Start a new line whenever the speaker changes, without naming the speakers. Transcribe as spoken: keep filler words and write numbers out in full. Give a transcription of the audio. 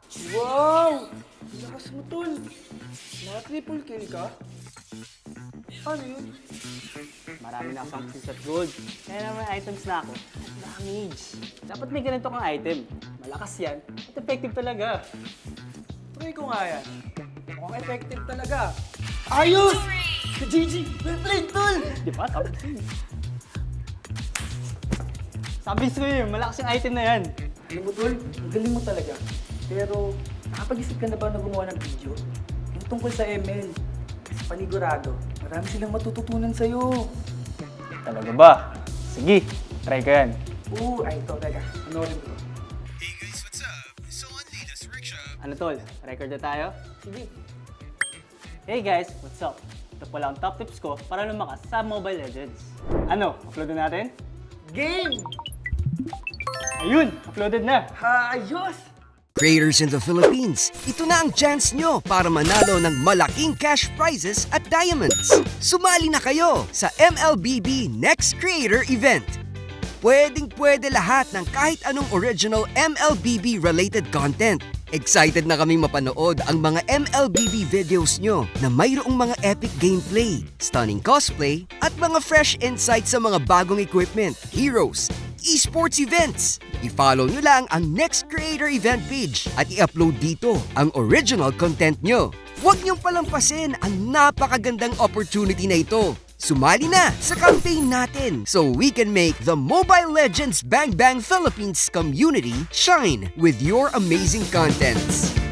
Wow! Lakas mo, tol. Naka-triple kill ka? Ano yun?
Marami na akong success at gold. Kaya naman items na ako at damage. Dapat may ganito kang item. Malakas yan at effective talaga.
Try ko nga yan. Mukhang effective talaga. Ayos! G G! Well played, tol!
Di ba? Sabi ko yun. Sabi ko yun, malakas yung item na yan.
Alam mo, tol, ang galing mo talaga. Pero, nakapag-isip ka na ba na gumawa ng video? Yung tungkol sa M L. Kasi panigurado, marami silang matututunan sa'yo.
Talaga ba? Sige, try ko yan.
Oo, ay, ito, teka. Panoorin mo to.
Hey guys, what's up? So only this rickshaw.
Ano tol? Record na tayo?
Sige.
Hey guys, what's up? Ito pala ang top tips ko para lumakas sa Mobile Legends. Ano, upload na natin?
Game!
Ayun, uploaded na.
Ayos!
Creators in the Philippines, ito na ang chance nyo para manalo ng malaking cash prizes at diamonds. Sumali na kayo sa M L B B Next Creator Event. Pwedeng pwede lahat ng kahit anong original M L B B related content. Excited na kaming mapanood ang mga M L B B videos nyo na mayroong mga epic gameplay, stunning cosplay, at mga fresh insights sa mga bagong equipment, heroes, esports events. I-follow nyo lang ang Next Creator Event page at i-upload dito ang original content nyo. Huwag nyong palampasin ang napakagandang opportunity na ito. Sumali na sa campaign natin so we can make the Mobile Legends Bang Bang Philippines community shine with your amazing contents.